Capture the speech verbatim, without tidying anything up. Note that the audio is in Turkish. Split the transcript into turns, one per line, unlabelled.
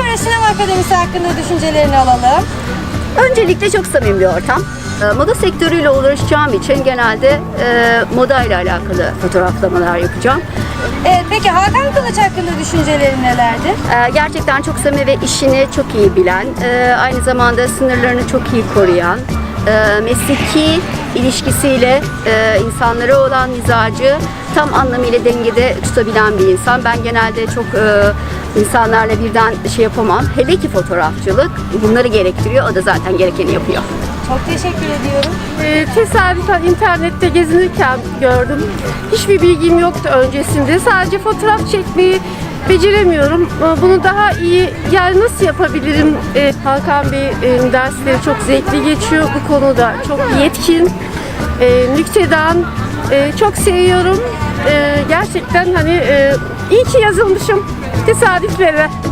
Ankara Sinema Akademisi hakkında düşüncelerini alalım.
Öncelikle çok samimi bir ortam. Moda sektörüyle uğraşacağım için genelde e, moda ile alakalı fotoğraflamalar yapacağım.
Evet, peki Hakan Kılıç hakkında düşüncelerin nelerdir?
E, gerçekten çok samimi ve işini çok iyi bilen, e, aynı zamanda sınırlarını çok iyi koruyan, e, mesleki ilişkisiyle e, insanlara olan mizacı tam anlamıyla dengede tutabilen bir insan. Ben genelde çok e, insanlarla birden şey yapamam. Hele ki fotoğrafçılık bunları gerektiriyor. O da zaten gerekeni yapıyor.
Çok teşekkür ediyorum.
Ee, tesadüfen internette gezinirken gördüm. Hiçbir bilgim yoktu öncesinde. Sadece fotoğraf çekmeyi beceremiyorum. Ee, Bunu daha iyi, yani nasıl yapabilirim? Ee, Hakan Bey'in dersleri çok zevkli geçiyor. Bu konuda çok yetkin, e, nüktedan, e, çok seviyorum. E, gerçekten hani e, iyi ki yazılmışım tesadüflere.